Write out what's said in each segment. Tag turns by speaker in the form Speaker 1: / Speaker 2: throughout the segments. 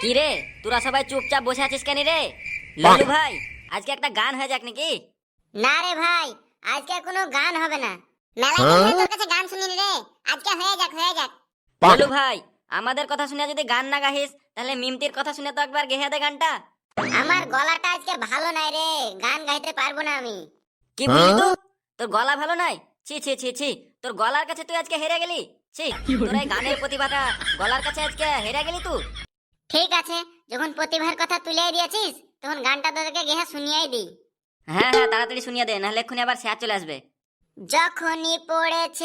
Speaker 1: কি রে, তোরা সবাই চুপচাপ বসে আছিস কেন রে? লালু ভাই, আজকে একটা গান হয়ে যাক নাকি?
Speaker 2: না রে ভাই, আজকে কোনো গান হবে না। মেলায় গিয়ে তোর কাছে গান শুনিনি রে। আজকে হয়ে যাক হয়ে যাক।
Speaker 1: লালু ভাই, আমাদের কথা শুনে যদি গান না গাহিস, তাহলে মিমতির কথা শুনে তো একবার গেহে দে গানটা।
Speaker 2: আমার গলাটা আজকে ভালো নাই রে, গান গাইতে পারবো না আমি।
Speaker 1: কি বললি তুই? তোর গলা ভালো নাই? ছি ছি ছি ছি, তোর গলার কাছে তুই আজকে হেরে গেলি। ছি, তোর এই গানের প্রতিভাটা গলার কাছে আজকে হেরে গেলি তুই।
Speaker 2: ঠিক আছে, যখন প্রতিভার কথা তুলে দিয়েছিস তখন গানটা তোদেরকে গেহে শুনিয়েই দিই।
Speaker 1: হ্যাঁ হ্যাঁ, তাড়াতাড়ি শুনিয়ে দে, নাহলে এক্ষুনি আবার স্যার চলে আসবে।
Speaker 2: যখনই পড়েছে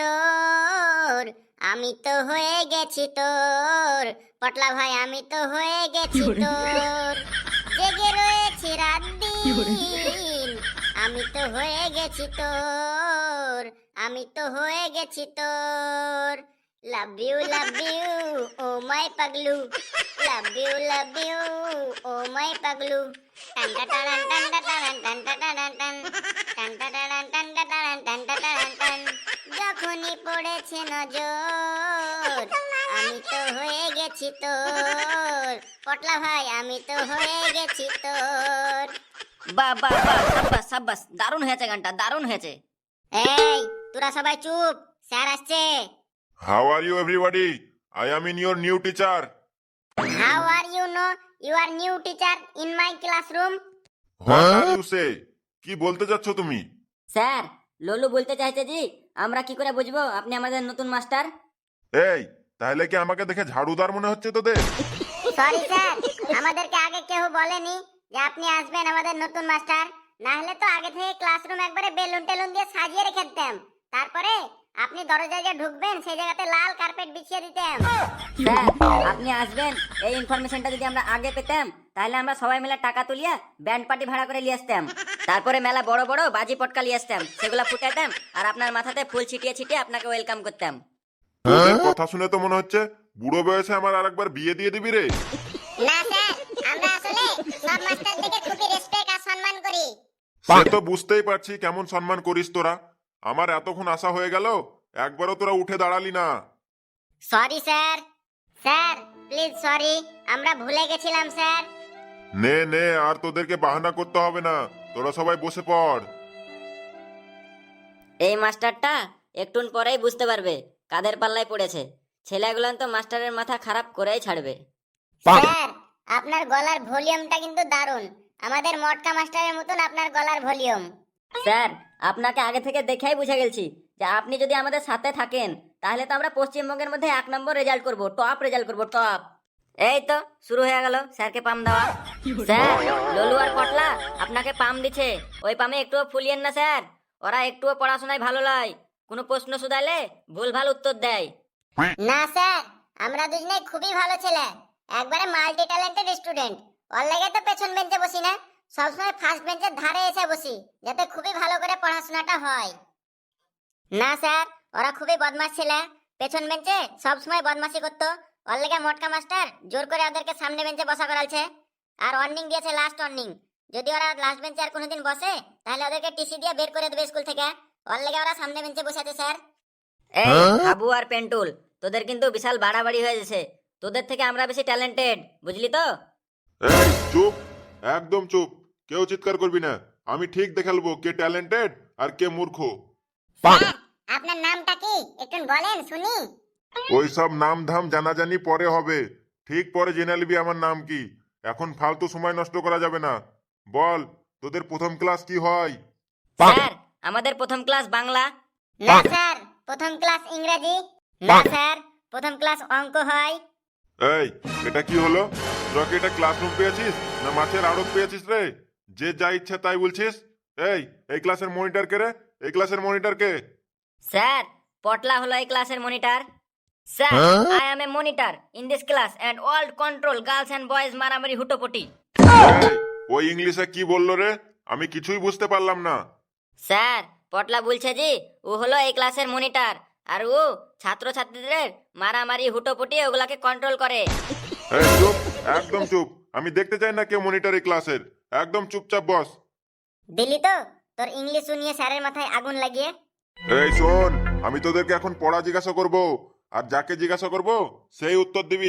Speaker 2: নজর, আমি তো হয়ে গেছি তোর। পটলা ভাই আমি তো হয়ে গেছি তোর। জেগে রয়েছি রাত দিন, আমি তো হয়ে গেছি তোর। আমি তো হয়ে গেছি তোর। লাভ ইউ ও মাই পাগলু। লাভ ইউ ও মাই পাগলু। টান টা টান টান টা টান টান টা টান টান টান টা টান টান টা টান টান টা টান টান। যখনই পড়েছে নজর, আমি তো হয়ে গেছি তোর। পটলা ভাই আমি তো হয়ে গেছি তোর।
Speaker 1: বাহ বাহ বাহ, সাব্বাস সাব্বাস, দারুণ হয়েছে গানটা, দারুণ হয়েছে।
Speaker 2: এই তোরা সবাই চুপ, স্যার আসছে।
Speaker 3: How are you, everybody? I am in your new teacher.
Speaker 2: How are you no you are new teacher in my classroom?
Speaker 3: What are you say? কি বলতে যাচ্ছ তুমি?
Speaker 1: স্যার, ললু বলতে চাইছে জি, আমরা কি করে বুঝবো আপনি আমাদের নতুন মাস্টার?
Speaker 3: এই, তাহলে কি আমাকে দেখে ঝাড়ুদার মনে হচ্ছে তোদের?
Speaker 2: সরি স্যার, আমাদেরকে আগে কেউ বলেনি যে আপনি আসবেন আমাদের নতুন মাস্টার। না হলে তো আগে থেকে ক্লাসরুম একবারে বেলুন টেলুন দিয়ে সাজিয়ে রেখে দিতাম। তারপরে আপনি দরজায় যে ঢুকবেন সেই জায়গাতে লাল কার্পেট বিছিয়ে দিতাম।
Speaker 1: স্যার, আপনি আসবেন এই ইনফরমেশনটা যদি আমরা আগে পেতাম, তাহলে আমরা সবাই মিলে টাকা তুলিয়া ব্যান্ড পার্টি ভাড়া করে নিয়ে আসতাম। তারপরে মেলা বড় বড় বাজি পটকা নিয়ে আসতাম, সেগুলা ফুটাইতাম আর আপনার মাথাতে ফুল ছিটিয়ে ছিটিয়ে আপনাকে ওয়েলকাম করতাম।
Speaker 3: তোদের কথা শুনে তো মনে হচ্ছে বুড়ো বয়সে আমার আরেকবার বিয়ে দিয়ে দিবি রে।
Speaker 2: না স্যার, আমরা আসলে সব মাস্টারদেরকে খুবই রেসপেক্ট আর সম্মান করি।
Speaker 3: সে তো বুঝতেই পারছি কেমন সম্মান করিস তোরা। আমার এতক্ষণ আশা হয়ে গেল, একবারও তোরা উঠে দাঁড়ালি না।
Speaker 2: Sorry sir. Sir please sorry, আমরা ভুলে গেছিলাম স্যার।
Speaker 3: নে নে, আর তোদেরকে বাহানা করতে হবে না, তোরা সবাই বসে পড়।
Speaker 1: এই মাস্টারটা একটুন পরেই বুঝতে পারবে কাদের পাল্লায় পড়েছে। ছেলেগুলান তো মাস্টারের মাথা খারাপ করেই ছাড়বে।
Speaker 2: স্যার আপনার গলার ভলিউমটা কিন্তু দারুণ, আমাদের মটকা মাস্টারের মতন আপনার গলার ভলিউম।
Speaker 1: স্যার, আপনাকে আগে থেকে দেখেই বুঝে গেছি যে আপনি যদি আমাদের সাথে থাকেন, তাহলে তো আমরা পশ্চিমবঙ্গের মধ্যে 1 নম্বর রেজাল্ট করব, টপ রেজাল্ট করব, টপ। এই তো শুরু হয়ে গেল স্যারকে পাম দেওয়া। স্যার, ললু আর পটলা আপনাকে পাম দিচ্ছে, ওই পামে একটুও ফুলিয়েন না স্যার। ওরা একটুও পড়াশোনায় ভালো নয়, কোনো প্রশ্ন শুধাইলে ভুলভাল উত্তর দেয়।
Speaker 2: না স্যার, আমরা দুজনে খুবই ভালো ছেলে, একবারে মাল্টি ট্যালেন্টেড স্টুডেন্ট। ওর লাগে তো পেছন বেঞ্চে বসি না, সবসময় ফার্স্ট বেঞ্চের ধারে এসে বসি, যাতে খুবই ভালো করে পড়াশোনাটা হয়। না স্যার, ওরা খুবই বদমাশ ছেলে, পেছন বেঞ্চে সবসময় বদমাশি করতো। ওর লাগে মটকা মাস্টার জোর করে ওদেরকে সামনে বেঞ্চে বসা করালছে, আর ওয়ার্নিং দিয়েছে, লাস্ট ওয়ার্নিং, যদি ওরা লাস্ট বেঞ্চে আর কোনোদিন বসে তাহলে ওদেরকে টিসি দিয়ে বের করে দেবে স্কুল থেকে। ওর লাগে ওরা সামনে বেঞ্চে বসে আছে স্যার।
Speaker 1: এই হাবু আর পেন্টুল, তোদের কিন্তু বিশাল বাড়াবাড়ি হয়ে গেছে। তোদের থেকে আমরা বেশি ট্যালেন্টেড, বুঝলি তো?
Speaker 3: এই চুপ, একদম চুপ, কেউ চিৎকার করবি না। আমি ঠিক দেখে নেবো কে ট্যালেন্টেড আর কে মূর্খ।
Speaker 2: স্যার আপনার নামটা কি একটু বলেন শুনি।
Speaker 3: ওই সব নাম ধাম জানাজানি পরে হবে, ঠিক পরে জেনে নিবি আমার নাম কি। এখন ফালতু সময় নষ্ট করা যাবে না। বল, তোদের প্রথম ক্লাস কি হয়?
Speaker 1: স্যার, আমাদের প্রথম ক্লাস বাংলা।
Speaker 2: না স্যার, প্রথম ক্লাস ইংরেজি। না স্যার, প্রথম ক্লাস অঙ্ক হয়।
Speaker 3: এই, এটা কি হলো? তোরা কি এটা ক্লাসরুম পেয়েছিস না মাছের আড়ত পেয়েছিস রে? যে যা ইচ্ছা তাই বলছিস। এই ক্লাসের মনিটর কে রে? এই ক্লাসের মনিটর কে?
Speaker 1: স্যার, পটলা হলো এই ক্লাসের monitor. Sir, I am a monitor in this class and all control girls and boys মারামারি হুটোপটি।
Speaker 3: এই, ওই ইংলিশে কি বললো রে? আমি কিছুই বুঝতে পারলাম না।
Speaker 1: স্যার, পটলা বলছে জি ও হলো এই ক্লাসের মনিটর, আর ও ছাত্রছাত্রীদের মারামারি হুটোপটি ওগুলাকে কন্ট্রোল করে।
Speaker 3: এই চুপ, একদম চুপ, আমি দেখতে চাই না কেউ মনিটর এই ক্লাসের। একদম চুপচাপ বস।
Speaker 2: দিলি তো তোর ইংলিশ শুনিয়ে স্যারের মাথায় আগুন লাগিয়ে।
Speaker 3: এই শোন, আমি তোদেরকে এখন পড়া জিজ্ঞাসা করব, আর যাকে জিজ্ঞাসা করব সেই উত্তর দিবি।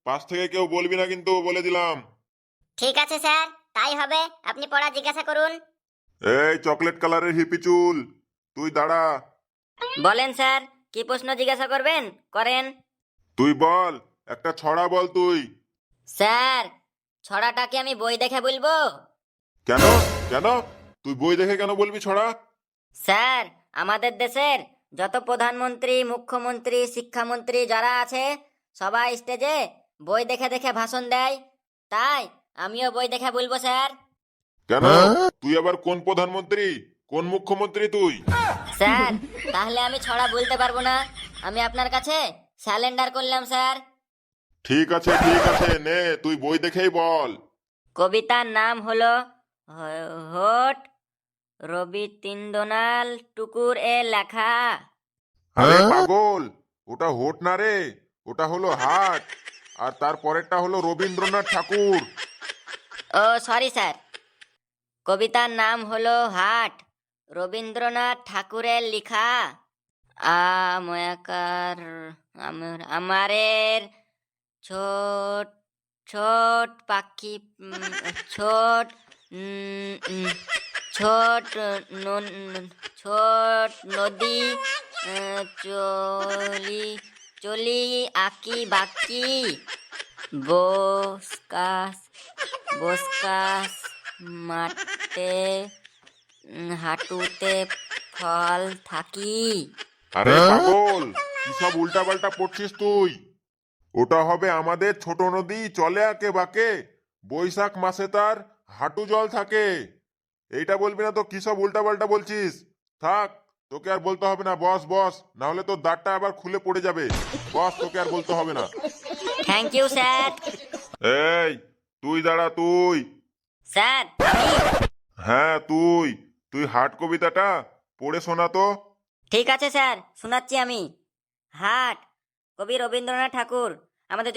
Speaker 3: পাশ থেকে কেউ বলবি না কিন্তু, বলে দিলাম।
Speaker 2: ঠিক আছে স্যার, তাই হবে। আপনি পড়া জিজ্ঞাসা করুন।
Speaker 3: এই চকলেট কালারের হিপি চুল, তুই দাঁড়া।
Speaker 1: বলেন স্যার, কি প্রশ্ন জিজ্ঞাসা করবেন করেন।
Speaker 3: তুই বল, একটা ছড়া বল তুই।
Speaker 1: স্যার, ছড়াটা কি আমি বই দেখে বলবো?
Speaker 3: কেন? কেন তুই বই দেখে কেন বলবি ছড়া?
Speaker 1: স্যার, আমাদের দেশের যত প্রধানমন্ত্রী, মুখ্যমন্ত্রী, শিক্ষামন্ত্রী যারা আছে সবাই স্টেজে বই দেখে দেখে ভাষণ দেয়, তাই আমিও বই দেখে বলবো স্যার।
Speaker 3: কেন? তুই আবার কোন প্রধানমন্ত্রী, কোন মুখ্যমন্ত্রী তুই?
Speaker 1: স্যার, তাহলে আমি ছড়া বলতে পারবো না, আমি আপনার কাছে স্যালেন্ডার করলাম স্যার।
Speaker 3: ঠিক আছে ঠিক আছে, নে তুই বই দেখেই বল।
Speaker 1: কবিতার নাম হলো হোট রবীন্দ্রনাথ টুকুর এ লেখা।
Speaker 3: আরে পাগল, ওটা হোট না রে, ওটা হলো হাট। আর তার পরেরটা হলো রবীন্দ্রনাথ ঠাকুর।
Speaker 1: ও সরি স্যার, কবিতার নাম হলো হাট, রবীন্দ্রনাথ ঠাকুরের লেখা। আমাকার আমারের ছোট ছোট পাখি, ছোট ছোট ছোট নদী, চলি চলি আঁকি বাকি, বসকাস বসকাস মাঠে, হাঁটুতে ফল থাকি।
Speaker 3: আরে পাগল, কি সব উল্টা পাল্টা পড়ছিস তুই? ওটা হবে আমাদের ছোট নদী চলে আঁকে বাঁকে, বৈশাখ মাসে তার হাঁটু জল থাকে। এইটা বলবি না তো কি সব উল্টা পাল্টা বলছিস? থাক, তোকে আর বলতে হবে না, বস বস, না হলে তোর দাঁতটা আবার খুলে পড়ে যাবে। বস, তোকে আর বলতে হবে না।
Speaker 1: Thank you sir.
Speaker 3: এই তুই দাঁড়া, তুই।
Speaker 1: স্যার আমি?
Speaker 3: হ্যাঁ তুই, তুই হাট কবিতাটা পড়ে শোনা তো।
Speaker 1: ঠিক আছে স্যার, শোনাচ্ছি আমি। হাট, কবি রবীন্দ্রনাথ ঠাকুর। আমাদের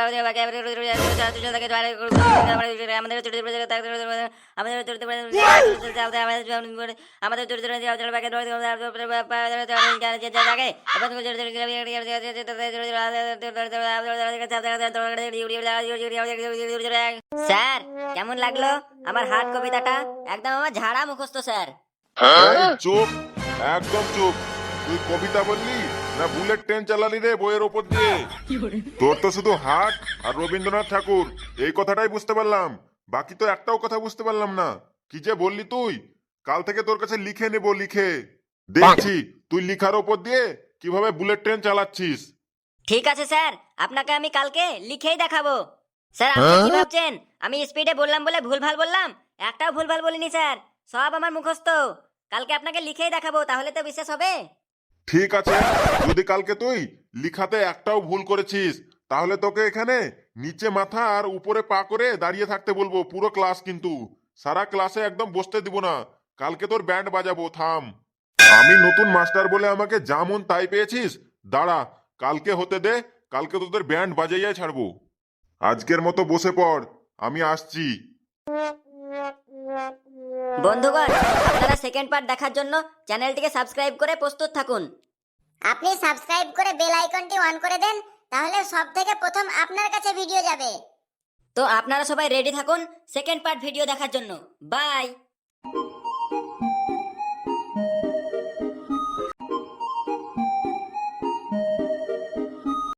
Speaker 1: স্যার, কেমন লাগলো আমার হাট কবিতাটা? একদম আমার ঝাড়া মুখস্থ স্যার।
Speaker 3: এই চুপ, একদম চুপ। তুই কবিতা বললি না বুলেট ট্রেন চালালি রে বইয়ের ওপর দিয়ে? তোর তো শুধু হাট আর রবীন্দ্রনাথ ঠাকুর এই কথাটাই বুঝতে পারলাম, বাকি তো একটাও কথা বুঝতে পারলাম না। কি যে বললি তুই? কাল থেকে তোর কাছে লিখে নেব, লিখে দেখছি তুই লিখার ওপর দিয়ে কিভাবে বুলেট ট্রেন চালাচ্ছিস।
Speaker 1: ঠিক আছে স্যার, আপনাকে আমি কালকে লিখেই দেখাবো। স্যার, আপনি কি ভাবছেন আমি স্পিডে বললাম বলে ভুলভাল বললাম? একটাও ভুলভাল বলিনি স্যার, সব আমার মুখস্থ। কালকে আপনাকে লিখেই দেখাবো, তাহলে তো বিশ্বাস হবে।
Speaker 3: ঠিক আছে, যদি কালকে তুই লিখাতে একটাও ভুল করেছিস তাহলে তোকে এখানে নিচে মাথা আর উপরে পা করে দাঁড়িয়ে থাকতে বলবো পুরো ক্লাস, কিন্তু সারা ক্লাসে একদম বসতে দিব না। কালকে তোর ব্যান্ড বাজাবো, থাম। আমি নতুন মাস্টার বলে আমাকে যেমন তাই পেয়েছিস? দাঁড়া, কালকে হতে দে, কালকে তোদের ব্যান্ড বাজাইয়াই ছাড়বো। আজকের মতো বসে পড়, আমি আসছি।
Speaker 1: বন্ধুগণ, আপনারা সেকেন্ড পার্ট দেখার জন্য চ্যানেলটিকে সাবস্ক্রাইব করে প্রস্তুত থাকুন।
Speaker 2: আপনি সাবস্ক্রাইব করে বেল আইকনটি অন করে দেন, তাহলে সবথেকে প্রথম আপনার কাছে ভিডিও যাবে।
Speaker 1: তো আপনারা সবাই রেডি থাকুন সেকেন্ড পার্ট ভিডিও দেখার জন্য। বাই।